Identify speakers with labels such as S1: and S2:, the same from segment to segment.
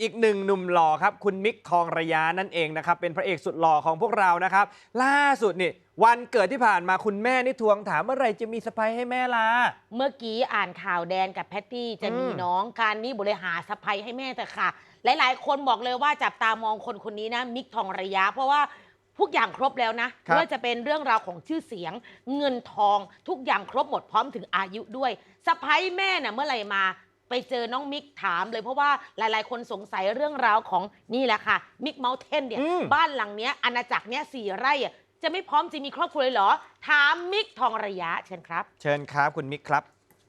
S1: อีกหนึ่งหนุ่มหล่อครับคุณมิกทองระยะนั่นเองนะครับเป็นพระเอกสุดหล่อของพวกเรานะครับล่าสุดนี่วันเกิดที่ผ่านมาคุณแม่นี่ทวงถามเมื่อไหร่จะมีเซอร์ไพรส์ให้แม่ล่ะ
S2: เมื่อกี้อ่านข่าวแดนกับแพตตี้จะมีน้องการนี่บริหารสะพายให้แม่แต่ค่ะ หลายๆ คนบอกเลยว่าจับตามองคนนี้นะมิกทองระยะ เพราะว่าทุกอย่างครบแล้วนะไม่ว่าจะเป็นเรื่องราวของชื่อเสียงเงินทองทุกอย่างครบหมดพร้อมถึงอายุด้วยสะพายแม่น่ะเมื่อไหร่มาไปเจอน้องมิกถามเลยเพราะว่าหลายๆ คนสงสัยเรื่องราวของนี่แหละค่ะมิกเมาเทนเนี่ยบ้านหลังเนี้ยอาณาจักรเนี้ย4 ไร่อะจะไม่พร้อมจะมีครอบครัวเลยเหรอถามมิกทองระยะเชิญครับ
S1: เชิญครับคุณมิกครับ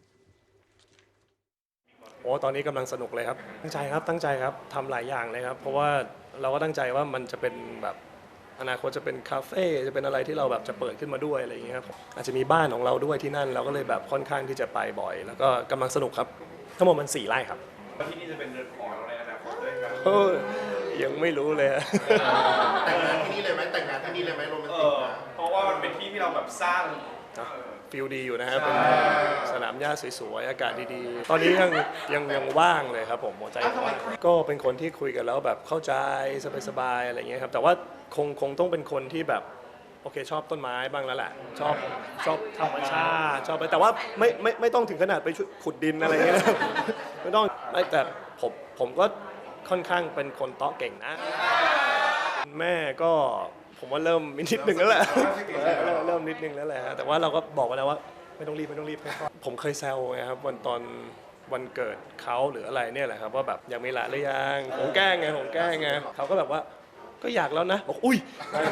S3: โอ้ตอนนี้กำลังสนุกเลยครับตั้งใจครับทำหลายอย่างเลยครับเพราะว่าเราก็ตั้งใจว่ามันจะเป็นแบบอนาคตจะเป็นคาเฟ่จะเป็นอะไรที่เราแบบจะเปิดขึ้นมาด้วยอะไรอย่างเงี้ยครับอาจจะมีบ้านของเราด้วยที่นั่นเราก็เลยแบบค่อนข้างที่จะไปบ่อย แล้วก็กำลังสนุกครับทั้งหมดมัน4 ไร่ครับ
S4: แล้วที่นี่จะเป็นเรือนหอเราในอนาคตด้วยครับ
S3: ยังไม่รู้เลย
S5: แต่งงานที่นี่เลยไหมแต่งงานที่นี่เลยไหมโรแมนติกนะ
S4: เพราะว่ามันเป็นที่ที่เราแบบสร้าง
S3: ฟิลดีอยู่นะครับเป็นสนามหญ้าสวยๆอากาศดีๆตอนนี้ยังว่างเลยครับผมหัวใจว่างก็เป็นคนที่คุยกันแล้วแบบเข้าใจสบายๆอะไรเงี้ยครับแต่ว่าคงต้องเป็นคนที่แบบโอเคชอบต้นไม้บ้างแล้วแหละชอบธรรมชาติชอบไปแต่ว่าไม่ต้องถึงขนาดไปขุดดินอะไรเงี้ยไม่ต้องแต่ผมก็ค่อนข้างเป็นคนเตาะเก่งนะแม่ก็ผมว่าเริ่มมีนิดนึงแล้วแหละเริ่มนิดนึงแล้วแหละแต่ว่าเราก็บอกไปแล้วว่าไม่ต้องรีบผมเคยแซวไงครับวันเกิดเขาหรืออะไรเนี่ยแหละครับว่าแบบยังไม่ละหรือยังผมแกล้งไงเขาก็แบบว่าก็อยากแล้วนะบอกอุ้ย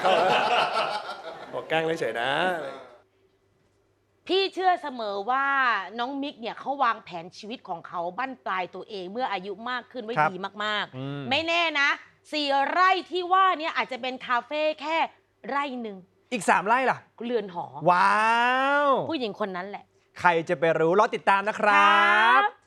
S3: บอกแกล้งเฉยๆนะ
S2: พี่เชื่อเสมอว่าน้องมิกเนี่ยเขาวางแผนชีวิตของเขาบั้นปลายตัวเองเมื่ออายุมากขึ้นไว้ดีมากๆไม่แน่นะ4 ไร่ที่ว่าเนี่ยอาจจะเป็นคาเฟ่แค่ไร่หนึ่ง
S1: อีก3 ไร่ล่ะ
S2: เรือนหอ
S1: ว้าว
S2: ผู้หญิงคนนั้นแหละ
S1: ใครจะไปรู้รอติดตามนะครับ